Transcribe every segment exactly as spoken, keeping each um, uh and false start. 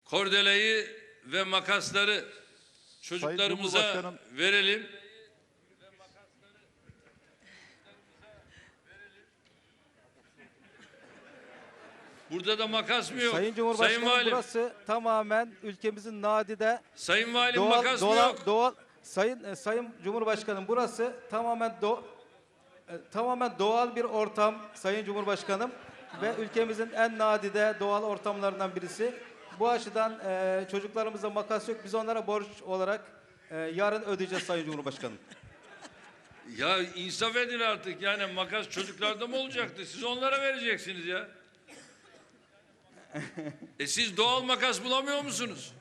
kordeleyi ve makasları çocuklarımıza verelim. Burada da makas mı yok? Sayın Cumhurbaşkanım, Sayın Valim. burası tamamen ülkemizin nadide Sayın Valim, doğal, makas doğal, mı yok? Doğal, Sayın e, Sayın Cumhurbaşkanım, burası tamamen do, e, tamamen doğal bir ortam Sayın Cumhurbaşkanım ve ülkemizin en nadide doğal ortamlarından birisi. Bu açıdan e, çocuklarımıza makas yok. Biz onlara borç olarak e, yarın ödeyeceğiz Sayın Cumhurbaşkanım. Ya insaf edin artık, yani makas çocuklarda mı olacaktı? Siz onlara vereceksiniz ya. E siz doğal makas bulamıyor musunuz?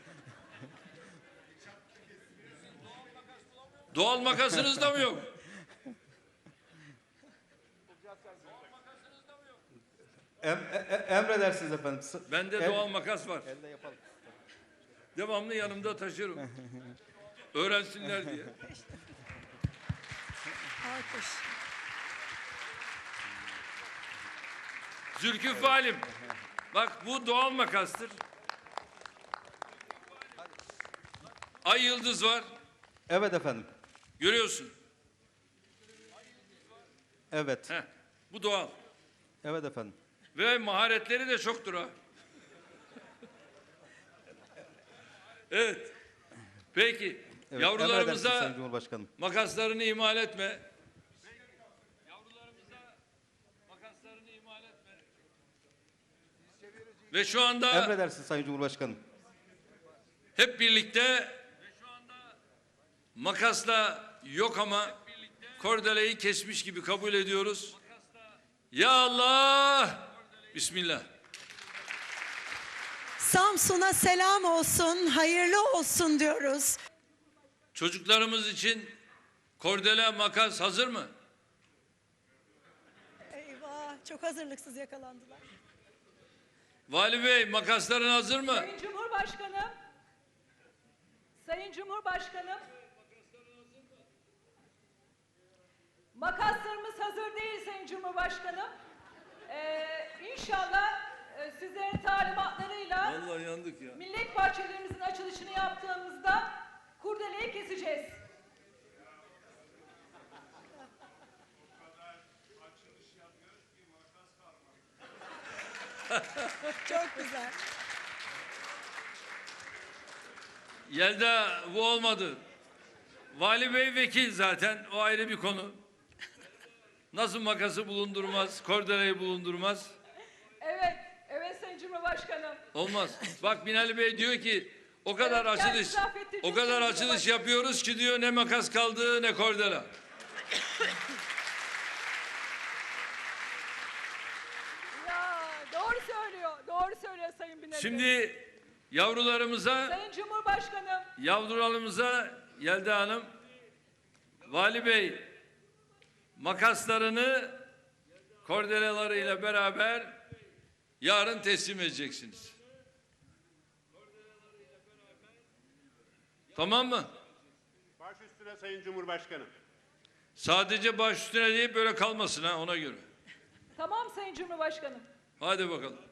Doğal makasınız da mı yok? Em, e, e, emredersiniz efendim. Bende Em, doğal makas var. elde yapalım. Devamlı yanımda taşırım. Öğrensinler diye. Alkış. Zülküf Valim. Bak, bu doğal makastır. Ay yıldız var. Evet efendim. Görüyorsun. Evet. Heh, bu doğal. Evet efendim. Ve maharetleri de çoktur ha. Evet. Peki. Evet, Yavrularımıza emredersiniz Sayın Cumhurbaşkanım. makaslarını ihmal etme. Yavrularımıza makaslarını ihmal etme. Ve şu anda Emredersiniz Sayın Cumhurbaşkanım. hep birlikte makasla yok ama kordeleyi kesmiş gibi kabul ediyoruz. Ya Allah! Bismillah. Samsun'a selam olsun, hayırlı olsun diyoruz. Çocuklarımız için kordele, makas hazır mı? Eyvah, çok hazırlıksız yakalandılar. Vali Bey, makasların hazır mı? Sayın Cumhurbaşkanım, Sayın Cumhurbaşkanım, makaslarımız hazır değil Sayın Cumhurbaşkanım. Ee, İnşallah e, sizlerin talimatlarıyla Vallahi yandık ya. millet bahçelerimizin açılışını yaptığımızda kurdeleyi keseceğiz. Çok güzel. Yelda, bu olmadı. Vali Bey vekil zaten, o ayrı bir konu. Nasıl makası bulundurmaz, kordeleyi bulundurmaz? Evet, evet Sayın Cumhurbaşkanım. Olmaz. Bak, Binali Bey diyor ki o kadar Evet, açılış, kendisi affettirecek o kadar Sayın açılış Cumhurbaşkanım. yapıyoruz ki diyor, ne makas kaldı ne kordela. Ya doğru söylüyor, doğru söylüyor Sayın Binali Bey. Şimdi yavrularımıza, Sayın Cumhurbaşkanım, yavrularımıza Yelda Hanım, Vali Bey makaslarını kordelalarıyla beraber yarın teslim edeceksiniz. Tamam mı? Baş üstüne Sayın Cumhurbaşkanım. Sadece baş üstüne deyip böyle kalmasın ha, ona göre. tamam Sayın Cumhurbaşkanım. Hadi bakalım.